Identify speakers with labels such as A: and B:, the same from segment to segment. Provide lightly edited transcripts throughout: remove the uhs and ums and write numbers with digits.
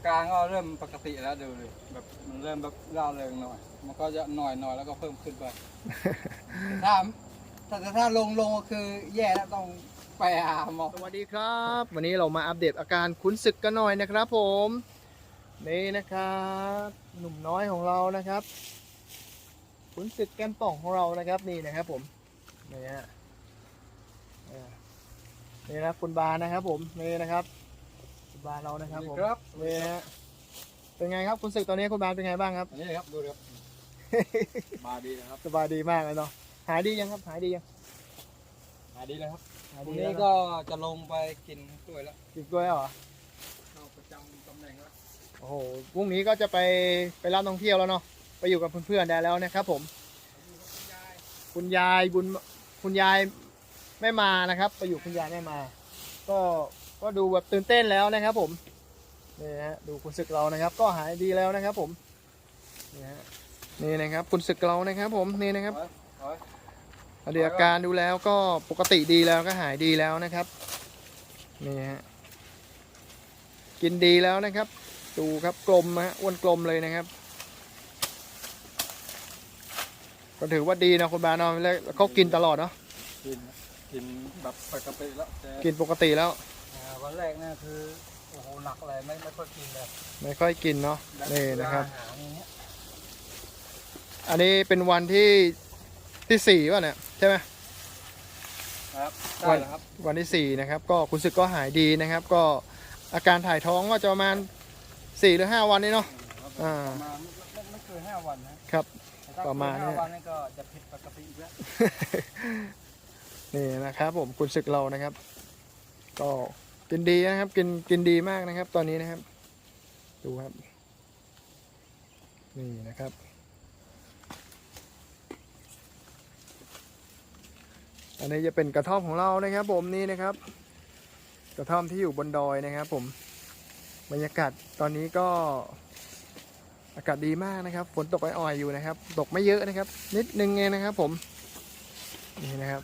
A: การก็เริ่มปกติแล้วดูเลยแบบมันเริ่มแบบร่าเริงหน่อยมันก็จะหน่อยแล้วก็เพิ่มขึ้นไปถ้าถ้าลงก็คือแย่แล้วต้องไปหาหมอ
B: สวัสดีครับ วันนี้เรามาอัปเดตอาการขุนศึกกันหน่อยนะครับผมนี่นะครับหนุ่มน้อยของเรานะครับขุนศึกแก้มป่องของเรานะครับนี่นะครับผมนี่ฮะนี่นะคุณบานะครับผมนี่นะครับคุณบาเรานะครับผม
A: ครับ
B: นี่ฮะเป็นไงครับขุนศึกตอนนี้คุณบาเป็นไงบ้างครับ
A: อันนี้ครับดูครับมาดีนะครับ
B: สบายดีมากเลยเนาะหายดียังครับหายดียัง
A: มาดีเลยครับ
B: หาย
A: ที
B: ดี
A: นี้
B: แล้ว
A: ก็จะลงไปกินกล้วยแล้ว
B: กินกล้วยแล้วเหรอ
A: เข้าประจำตำแหน่งแล้ว
B: โอ้โหพรุ่งนี้ก็จะไปรับท่องเที่ยวแล้วเนาะไปอยู่กับเพื่อนๆได้แล้วนะครับผมคุณยายบุญคุณยายไม่มานะครับไปอยู่คุณยายไม่มา ก็ดูแบบตื่นเต้นแล้วนะครับผมนี่ฮะดูคุณศึกเรานะครับ ก็หายดีแล้วนะครับผมนี่ฮะนี่นะครับคุณศึกเรานะครับผมนี่นะครับเดี๋ยวอาการดูแล้วก็ปกติดีแล้วก็หายดีแล้วนะครับนี่ฮะกินดีแล้วนะครับดูครับกลมฮะอ้วนกลมเลยนะครับก็ถือว่าดีนะคุณบานอนแล้วเขากินตลอดเนาะ
A: กินแบบปกติแล้วแต่
B: กินปกติแล้ว
A: วันแรกเนี่ยคือโอ้โหหนักอะไรไม่ค่อยกินเลย
B: ไม่ค่อยกินเนาะนี่นะครับ
A: อาหารอย่างเงี้ย
B: อันนี้เป็นวันที่สี่ป่ะเนี่ยใช่ไหม
A: ครับ
B: วั
A: ได้แล้วครับ
B: วันที่สี่นะครับก็คุณศึกก็หายดีนะครับ ก็อาการถ่ายท้องก็จะประมาณ4 หรือ 5 วันนี้เนาะ อ่า
A: ประมาณไม่เกิน5 วันนะครับ แต่ถ้
B: ประมาณ
A: เกิน
B: เนี่ย
A: 5 วันนี่ก็จะผิดปกติอีกแล้ว
B: นี่นะครับผมคุณศึกเรานะครับ ก็กินดีนะครับกินดีมากนะครับ ตอนนี้นะครับดูครับนี่นะครับอันนี้จะเป็นกระท่อมของเรานะครับผมนี่นะครับ กระท่อมที่อยู่บนดอยนะครับผมบรรยากาศตอนนี้ก็อากาศดีมากนะครับฝนตกอ่อยๆอยู่นะครับตกไม่เยอะนะครับ นิดนึงเองนะครับผมนี่นะครับ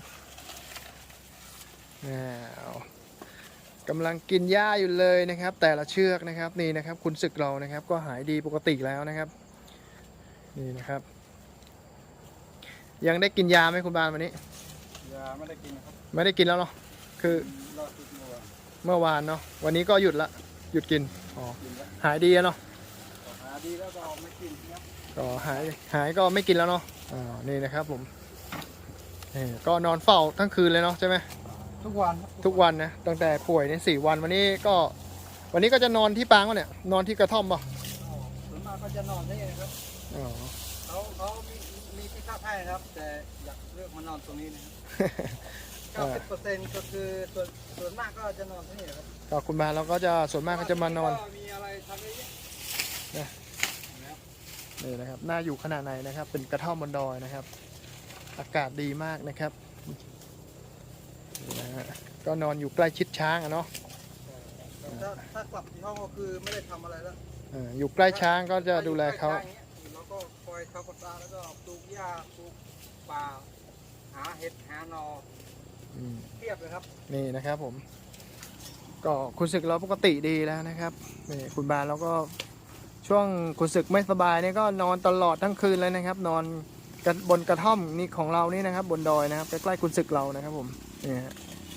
B: กำลังกินหญ้าอยู่เลยนะครับ แต่ละเชือกนะครับนี่นะครับคุณศึกเรานะครับ ก็หายดีปกติแล้วนะครับนี่นะครับ ยังได้กินยาไหมคุณบานวันนี้
A: ยาไม่ได้กินนะครับ
B: ไม่ได้กินแล้วเนาะคือ
A: รอดทุกเมื่อวาน
B: เมื่อวานเนาะวันนี้ก็หยุดละหยุดกินอ๋อ
A: กินแล้ว
B: หายดีแล้วเนาะ
A: หาดีแล้วก็ไม่กินครับ
B: ก็หายก็ไม่กินแล้วเนาะนี่นะครับผมนี่ก็นอนเฝ้าทั้งคืนเลยเนาะใช่ไหม
A: ทุกวันครับ
B: ทุกวันนะตั้งแต่ป่วยใน4 วันวันนี้ก็จะนอนที่ปางวะเนี่ยนอนที่กระท่อมป่ะ
A: ส่วนมากก็จะนอนได้นะครับ
B: อ๋อ
A: เขามีที่พักให้นะครับ แต่อยากเลือกมานอนตรงนี้นะครับ 90%ก็คือส่วนมากก็จะนอนที่นี่นะครับ
B: ก็คุณบาเราก็จะส่วนมากก็จะมานอน
A: ก็มีอะไรทำเยอะแยะ
B: นี่นะครับน่าอยู่ขนาดไหนนะครับ เป็นกระท่อมบนดอยนะครับ อากาศดีมากนะครับนี่นะฮะก็นอนอยู่ใกล้ชิดช้างอะเนาะ
A: ถ้ากลับที่ห้องก็คือไม่ได้ทำอะไรแล้ว
B: อยู่ใกล้ช้างก็จะดูแลเขา
A: แล้วก็คอยเขากดตาแล้วก็ปลูกหญ้าปลูกป่าหาเห็ดหาหนอ
B: อืม
A: เทียบเลยครับ
B: นี่นะครับผมก็คุณศึกเราปกติดีแล้วนะครับนี่คุณบาเราก็ช่วงคุณศึกไม่สบายเนี่ยก็นอนตลอดทั้งคืนเลยนะครับ นอนกันบนกระท่อมนี่ของเรานี่นะครับ บนดอยนะครับใกล้ๆคุณศึกเรานะครับผมนี่ฮะ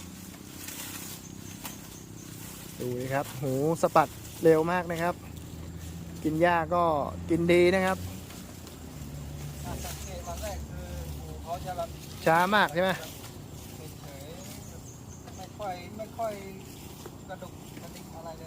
B: ดูดิครับหูสะปัดเร็วมากนะครับ กินหญ้าก็กินดีนะครับ
A: สังเกตวันแรกคือหมูเขาจะแบบ
B: ช้ามากใช่ไหม
A: เฉยๆไม่ค่อยกระดุกกระดิกอะไรเลย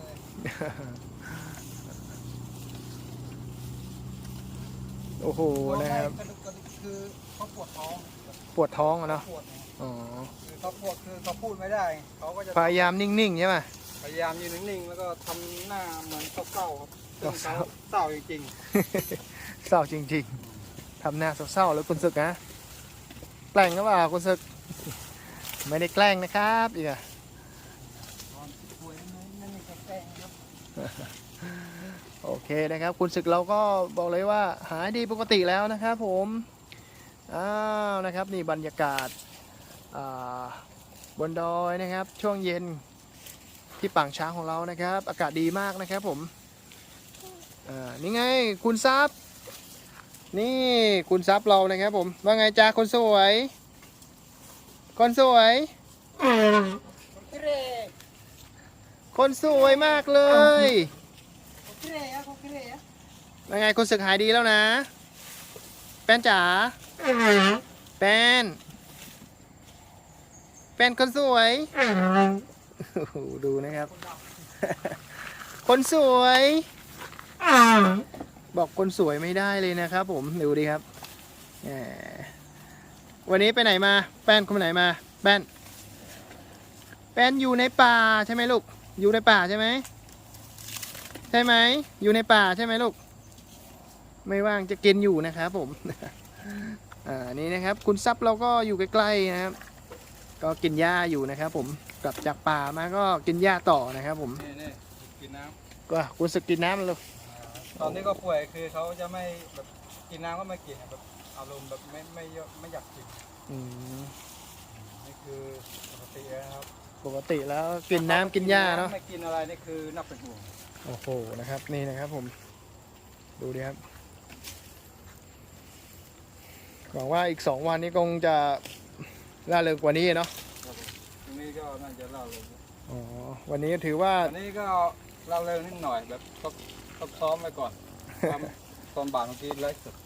B: โอ้โหนะครับ
A: กระดุกกระดิกคือเขาปวดท้อง
B: ปวดท้องอะเนาะ
A: ปวดนะ
B: อ๋อ
A: คือเขาปวดคือเขาพูดไม่ได้เขาก็จะ
B: พยายามนิ่งๆใช่ไหม
A: พยายามยืนนิ่งๆแล้วก็ทำหน้าเหมือนเศร้าๆครับซึ่ง
B: เศร้า
A: เขาเศร้าจริง
B: เศร้าจริงๆ ทำหน้าเศร้าๆแล้วคุณศึกนะแกล้งหรือเปล่าคุณศึก ไม่ได้แกล้งนะครับอีกอะ
A: ๆตอนป่วยนั่นไม่ใช่แกล้งครับ
B: โอเคนะครับ คุณศึกเราก็บอกเลยว่าหายดีปกติแล้วนะครับผมอ้าวนะครับนี่บรรยากาศบนดอยนะครับ ช่วงเย็นที่ปางช้างของเรานะครับ อากาศดีมากนะครับผมนี่ไงคุณซับนี่คุณซับเรานะครับผมว่าไงจ้าคนสวยคนสวยคนสวยมากเลยว่าไงคนศึกหายดีแล้วนะแป้นจ๋าแป้นคนสวยดูนะครับคนสวยบอกคนสวยไม่ได้เลยนะครับผมดูดิครับวันนี้ไปไหนมาแป้นคนไหนมาแป้นอยู่ในป่าใช่ไหมลูกอยู่ในป่าใช่ไหมใช่ไหมอยู่ในป่าใช่ไหมลูกไม่ว่างจะกินอยู่นะครับผมนี่นะครับคุณซับเราก็อยู่ใกล้ๆนะครับก็กินหญ้าอยู่นะครับผมกลับจากป่ามาก็กินหญ้าต่อนะครับผม
A: นี่กินน้ำ
B: ก็คุณสึกกินน้ำเลย
A: ตอนนี้ก็ป่วยคือเขาจะไม่แบบกินน้ำก็ไม่กินแบบอารมณ์แบบไม่เยอะไม่อยากกินนี่คือปกตินะครับ
B: ปกติแล้วกินน้ำกินหญ้าเนาะ
A: ไม่กินอะไรนี่คือนับเป็นห่วง
B: โอ้โหนะครับนี่นะครับผมดูดิครับหวังว่าอีก2 วันนี้คงจะล่าเริงกว่านี้เนาะ
A: วันนี้ก็น่าจะล่าเริง
B: อ๋อวันนี้ถือว่า
A: วันนี้ก็ล่าเริงนิดหน่อยแบบต้องซ้อมไปก่อนตอนบ่ายเมื่อกี้ไลฟ์สด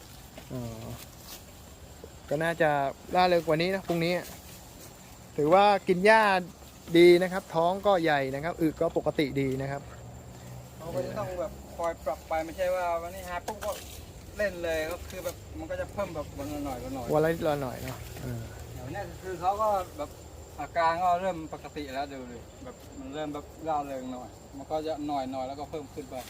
B: ก็น่าจะล่าเริงกว่านี้นะพรุ่งนี้ถือว่ากินหญ้าดีนะครับท้องก็ใหญ่นะครับอึก็ปกติดีนะครับ
A: เราก็จะต้องแบบคอยปรับไปไม่ใช่ว่าวันนี้หาปุ๊บก็เล่นเลยก็คือแบบมันก็จะเพิ่มแบบวันละหน่อย
B: วันละหน่อยเนาะ
A: อย่างนี้คือเขาก็แบบอาการก็เริ่มปกติแล้วดูเลยแบบมันเริ่มแบบร่าเริงหน่อยมันก็จะหน่อยแล้วก็เพิ่มขึ้นไป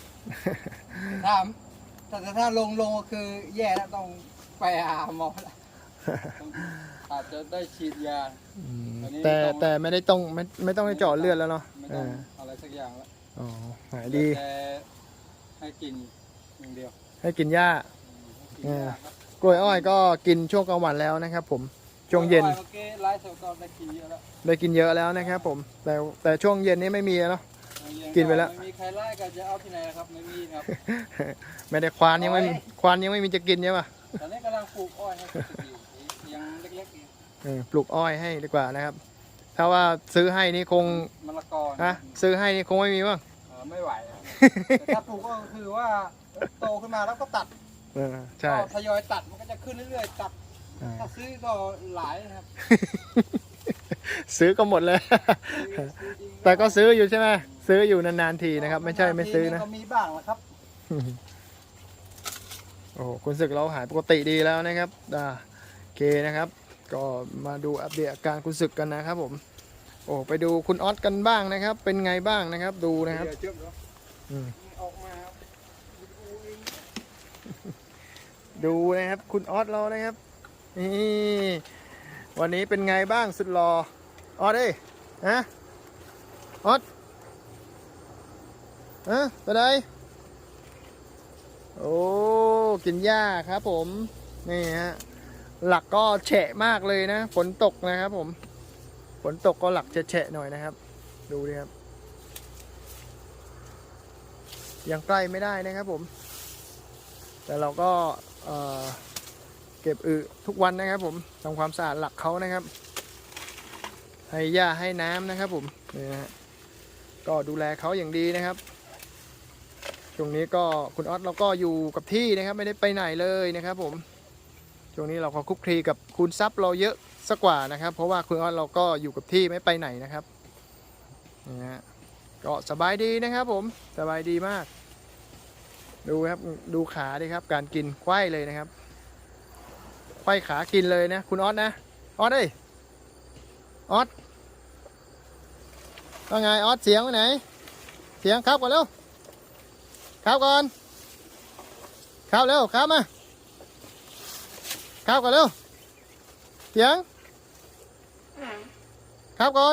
A: ถ้าลงก็คือแย่แล้วต้องไปหาหมอแล้วอาจจะได้ฉีดยา
B: แต่ไม่ได้ต้องไม่ต้องให้เจาะเลือดแล้วเนาะ
A: ไม่ต้องอะไรสักอย่างแล้ว
B: อ๋อหายดี
A: ให้กินอย่างเดียว
B: ให้กินหญ้ากล้วยอ้อยก็กินช่วงกลางวันแล้วนะครับผมช่วงเย็นได้กินเยอะแล้วนะครับผมแต่ช่วงเย็นนี้ไม่มีแล้วเนาะกินไปแล้ว
A: ไม่มีใครไล่ก็จะเอาที่ไหนครับไม่มีครับ
B: ไม่ได้ควานยังไม่มีจะกินใช่ปะ
A: ตอนนี้กำลังปลูกอ้อยให้ยังเล็ก
B: ๆปลูกอ้อยให้ดีกว่านะครับถ้าว่าซื้อให้นี่คง
A: มะละกอ
B: นะซื้อให้นี่คงไม่มีบ้าง
A: ไม่ไหวแต่ถ้าปลูกก็คือว่าโตขึ้นมาแล้วก็ตัด
B: ใช่
A: ทยอยตัดมันก็จะขึ้นเรื่อยๆตัดถ้าซื้อก็หลายนะครับ
B: ซื้อก็หมดเลยแต่ก็ซื้ออยู่ใช่ไหมซื้ออยู่นานๆทีนะครับไม่ใช่ไม่ซื้อนะ
A: ก็มีบ้างนะครับ
B: โอ้คุณศึกเราหายปกติดีแล้วนะครับโอเคนะครับก็มาดูอัปเดตอาการคุณศึกกันนะครับผมโอ้ไปดูคุณออสกันบ้างนะครับเป็นไงบ้างนะครับดูนะครับดูนะครับคุณออสเรานะครับนี่วันนี้เป็นไงบ้างสุดหล่อออสเอ้ยฮะออสไปไหนโอ้กินหญ้าครับผมนี่ฮะหลักก็แฉะมากเลยนะฝนตกนะครับผมฝนตกก็หลักจะแฉะหน่อยนะครับดูดิครับยังใกล้ไม่ได้นะครับผมแต่เราก็เก็บอึทุกวันนะครับผมทำความสะอาดหลักเขานะครับให้หญ้าให้น้ำนะครับผมนี่นะก็ดูแลเขาอย่างดีนะครับช่วงนี้ก็คุณออสเราก็อยู่กับที่นะครับไม่ได้ไปไหนเลยนะครับผมช่วงนี้เราก็คุกคลีกับคุณซับเราเยอะสักกว่านะครับเพราะว่าคุณออสเราก็อยู่กับที่ไม่ไปไหนนะครับนี่ฮะก็สบายดีนะครับผมสบายดีมากดูครับดูขาดิครับการกินไขว้เลยนะครับไขว้ขากินเลยนะคุณออสนะออสเอ้ยออสว่าไงออสเสียงไปไหนเสียงครับก่อนเร็วครับก่อนครับเร็วครับมาครับก่อนเร็วเสียงครับก่อน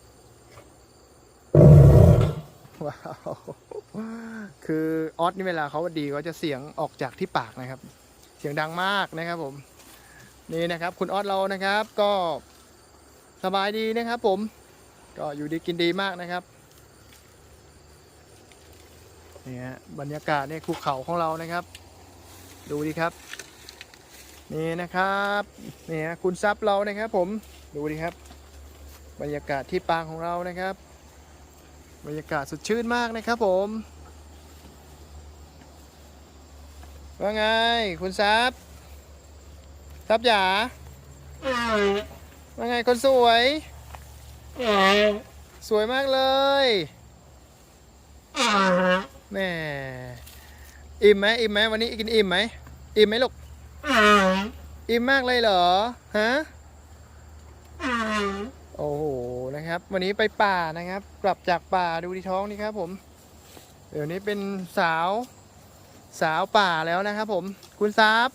B: ว้าวคือออสนี่เวลาเขาดีเขาจะเสียงออกจากที่ปากนะครับเสียงดังมากนะครับผมนี่นะครับคุณออสเรานะครับก็สบายดีนะครับผมก็อยู่ดีกินดีมากนะครับนี่ฮะบรรยากาศในภูเขาของเรานะครับ ดูดิครับนี่นะครับนี่ฮะคุณซับเรานะครับผมดูดิครับบรรยากาศที่ปางของเรานะครับบรรยากาศสดชื่นมากนะครับผมว่าไงคุณซับจ๋าว่าไงคนสวยสวยมากเลยแม่อิ่มไหมวันนี้กินอิ่มไหมลูกอิ่มมากเลยเหรอฮะโอ้โหนะครับวันนี้ไปป่านะครับกลับจากป่าดูที่ท้องนี่ครับผมเดี๋ยวนี้เป็นสาวป่าแล้วนะครับผมคุณซับ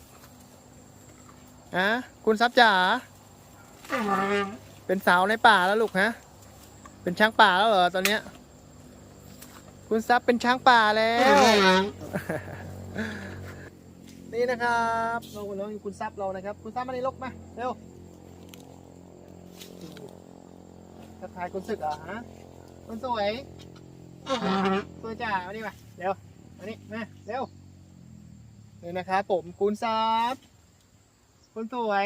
B: คุณซับจ๋าเป็นสาวในป่าแล้วลูกฮะเป็นช้างป่าแล้วเหรอตอนเนี้ยคุณซับเป็นช้างป่าแล้วนี่นะครับเราอยู่คุณซับเรานะครับคุณซับมาในลกมาเร็วทักทายคุณศึกเหรอฮะคุณสวยจ๋ามาดิมาเร็วมานี่มาเร็วนี่นะครับผมคุณซับคุณสวย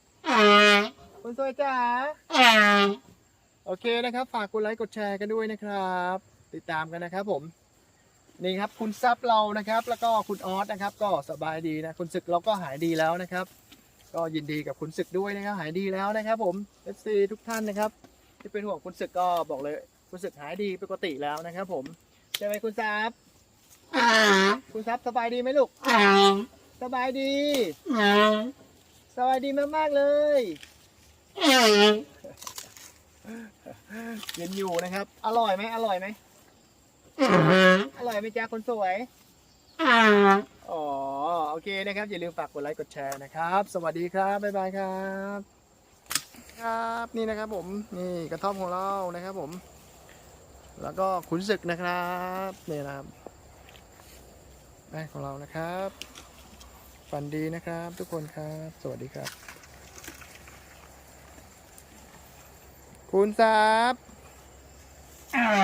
B: จ๋าโอเคนะครับฝากกดไลค์กดแชร์กันด้วยนะครับติดตามกันนะครับผมนี่ครับคุณซับเรานะครับแล้วก็คุณออสนะครับก็สบายดีนะคุณศึกเราก็หายดีแล้วนะครับก็ยินดีกับคุณศึกด้วยนะครับหายดีแล้วนะครับผม FC ทุกท่านนะครับที่เป็นห่วงคุณศึกก็บอกเลยคุณศึกหายดีปกติแล้วนะครับผมใช่ไหมคุณซับคุณซับสบายดีไหมลูกสบายดีสบายดีมากๆเลยเย็นอยู่นะครับอร่อยไหมอร่อยไหมจ๊ะคนสวยอ๋อโอเคนะครับอย่าลืมฝากกดไลค์กดแชร์นะครับสวัสดีครับบ๊ายบายครับครับนี่นะครับผมนี่กระท่อมของเรานะครับผมแล้วก็ขุนศึกนะครับนี่นะครับแม่ของเรานะครับฝันดีนะครับทุกคนครับสวัสดีครับคุณซับ